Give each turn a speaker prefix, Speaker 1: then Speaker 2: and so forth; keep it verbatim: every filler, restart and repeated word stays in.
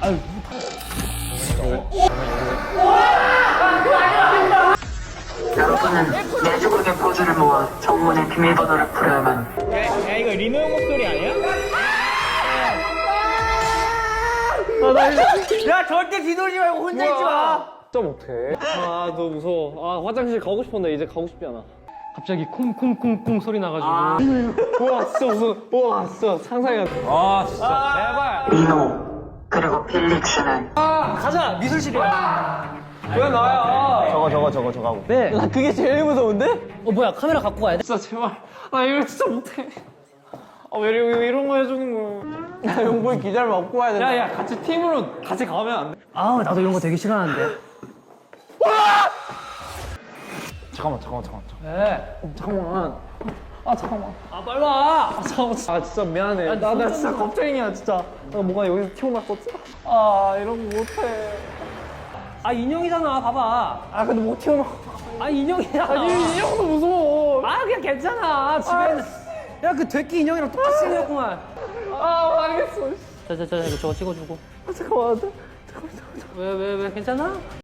Speaker 1: 아유.
Speaker 2: 여러분은 내주국의 포즈를 모아 정문의 비밀번호를 풀어야만.
Speaker 1: 야, 야 이거 리노 형 목소리 아니야? 아, 나 이거... 야 절대 뒤돌지 말고 혼자 있지 마.
Speaker 3: 진짜 못해.
Speaker 1: 아 너무 무서워. 아 화장실 가고 싶었는데 이제 가고 싶지 않아.
Speaker 3: 갑자기 쿵쿵쿵쿵 소리 나가지고.
Speaker 1: 아. 우와 진짜 무서워. 우와 진짜 상상이 안 돼. 아 진짜 제발.
Speaker 2: 리노 그리고 필릭스는
Speaker 1: 아 가자 미술실이야. 왜 나야?
Speaker 3: 저거 저거 저거 저거 하고.
Speaker 1: 네. 나 그게 제일 무서운데?
Speaker 4: 어 뭐야 카메라 갖고 가야 돼?
Speaker 1: 진짜 제발. 나 이거 진짜 못해. 아왜 이런, 왜 이런 거 해주는 거야? 야 용보이 기자를 업고 와야 된다. 야야 같이 팀으로 같이 가면 안 돼?
Speaker 4: 아우 나도 이런 거 되게 싫어하는데.
Speaker 3: 잠깐만 잠깐만 잠깐만.
Speaker 1: 네. 잠깐만. 아 잠깐만. 아 빨리 와. 아 잠깐만. 아 진짜 미안해. 나 나 진짜 겁쟁이야 진짜. 나 뭐가 여기서 튀어나왔었어. 아 이런 거 못해.
Speaker 4: 아 인형이잖아 봐봐.
Speaker 1: 아 근데 못 튀어나와.
Speaker 4: 아 인형이잖아.
Speaker 1: 아 이 인형도 무서워.
Speaker 4: 아 그냥 괜찮아 집에는. 야 그 돼끼 인형이랑 똑같이 생겼구만.
Speaker 1: 아 알겠어.
Speaker 4: 자자자 이거 저거 찍어주고.
Speaker 1: 아, 잠깐만.
Speaker 4: 왜 왜 왜 괜찮아?